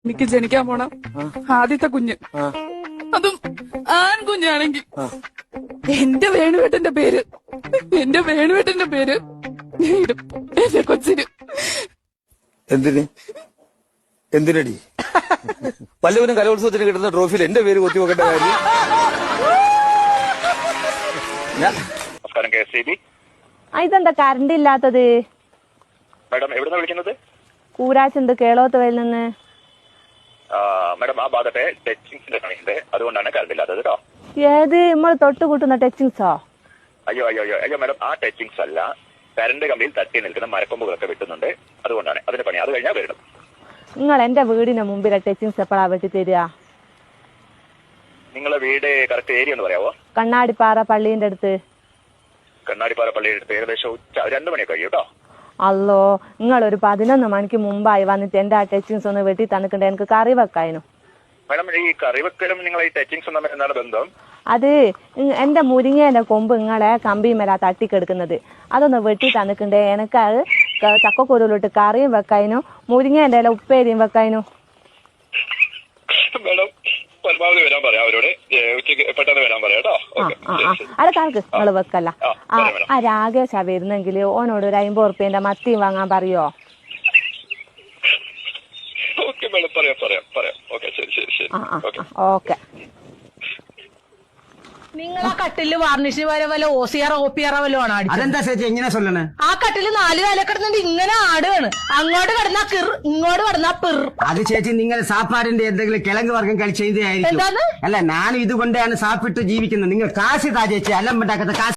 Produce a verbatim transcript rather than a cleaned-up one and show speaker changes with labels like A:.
A: എനിക്ക് ജനിക്കാൻ പോണ ആദ്യത്തെ കുഞ്ഞ്, അതും ആൺകുഞ്ഞാണെങ്കിൽ എന്റെ വേണുവേട്ടന്റെ പേര് എന്റെ വേണുവേട്ടന്റെ പേര് ഇടും എന്റെ കൊച്ചിന്.
B: എന്തിന് എന്തിനടി വല്ലവനും കലോത്സവത്തിന് കിട്ടുന്ന ട്രോഫിയിൽ എന്റെ പേര് കൊത്തി വെക്കേണ്ട കാര്യം?
C: നമസ്കാരം, കെ എസ് ഇ ബി.
D: ഇതെന്താ കറണ്ട് ഇല്ലാത്തത്?
C: മാഡം എവിടുന്നാ വിളിക്കുന്നത്?
D: കൂരാച്ചുണ്ട്, കേളോത്തുവയിൽ നിന്ന്.
C: മാഡം ആ ഭാഗത്തെ ടച്ചിങ്സിന്റെ പണിയുണ്ട്, അതുകൊണ്ടാണ് കറണ്ട് ഇല്ലാത്തത് കേട്ടോ.
D: ഏത് നമ്മൾ തൊട്ട് കൂട്ടുന്ന ടച്ചിങ്സോ?
C: അയ്യോ അയ്യോ അയ്യോ അയ്യോ മാഡം, ആ ടച്ചിങ്സ് അല്ല, കറണ്ട് കമ്പിയിൽ തട്ടി നിൽക്കുന്ന മരക്കൊമ്പുകളൊക്കെ വെട്ടുന്നുണ്ട്, അതുകൊണ്ടാണ് അതിന്റെ പണി. അത് കഴിഞ്ഞാൽ വരണം.
D: നിങ്ങൾ എന്റെ വീടിന് മുമ്പിലെ ടച്ചിങ്സ് എപ്പോഴാ വെട്ടി തരിക?
C: നിങ്ങളെ വീട് കറക്റ്റ് ഏരിയ ഒന്ന് പറയാവോ?
D: കണ്ണാടിപ്പാറ പള്ളീന്റെ അടുത്ത്.
C: കണ്ണാടിപ്പാറ പള്ളിയുടെ അടുത്ത് ഏകദേശം ഉച്ച രണ്ടു മണിയൊക്കെ കഴിയും കേട്ടോ.
D: അല്ലോ, നിങ്ങൾ ഒരു പതിനൊന്ന് മണിക്ക് മുമ്പായി വന്നിട്ട് എന്റെ ആ ടച്ചിങ്സ് ഒന്ന് വെട്ടി തന്നിട്ടുണ്ട്, എനിക്ക് കറി വെക്കായിരുന്നു.
C: മാഡം ഈ കറിവെക്കലും നിങ്ങൾ ഈ ടച്ചിങ്സും തമ്മിൽ എന്താണ് ബന്ധം?
D: അത് എന്റെ മുരിങ്ങേന്റെ കൊമ്പ് നിങ്ങളെ കമ്പിമേലാ തട്ടിക്കെടുക്കുന്നത്, അതൊന്ന് വെട്ടി തന്നിട്ടുണ്ട്. എനിക്ക് അത് ചക്കക്കുരുവിലിട്ട് കറിയും വെക്കായിരുന്നു, മുരിങ്ങേന്റെ ഇല ഉപ്പേരിയും വെക്കായിരുന്നു.
C: മാഡം പരമാവധി വരാൻ പറയാം അവരോട്, ഉച്ചയ്ക്ക് പെട്ടെന്ന് വരാൻ പറയാം കേട്ടോ.
D: അത് കണക്ക് നിങ്ങൾ വെക്കല്ല. ആ രാകേശാ വരുന്നെങ്കിൽ ഓനോട് ഒരു അമ്പത് ഉറുപ്പ്യന്റെ മത്തിയും വാങ്ങാൻ പറയോ?
C: ഓക്കെ മാഡം, പറയാം പറയാം പറയാം. ഓക്കെ, ശരി ശരി ശരി.
D: ഓക്കെ.
E: നിങ്ങൾ ആ കട്ടില് വാർണിഷിന് വരെ വല്ല ഓസിയാറോ ഓപ്പിയാറോ വല്ലോ ആണ് അടിച്ചത്?
F: അതെന്താ ചേച്ചി എങ്ങനെ സൊല്ലണേ?
E: ആ കട്ടില് നാല് കാല കിടന്നിട്ട് ഇങ്ങനെ ആടുകയാണ്, അങ്ങോട്ട് കിടന്നാ കിർ, ഇങ്ങോട്ട് കിടന്നാ പിർ.
F: അത് ചേച്ചി നിങ്ങൾ സാപ്പാടിന്റെ എന്തെങ്കിലും കിഴങ്ങ് വർഗം കഴിച്ചതായിരിക്കും.
E: എന്താണ്?
F: അല്ല, ഞാനും ഇതുകൊണ്ടാണ് സാപ്പിട്ട് ജീവിക്കുന്നത്. നിങ്ങൾ കാശ് താ ചേച്ചി, അല്ലം ഉണ്ടാക്കുന്ന കാശ്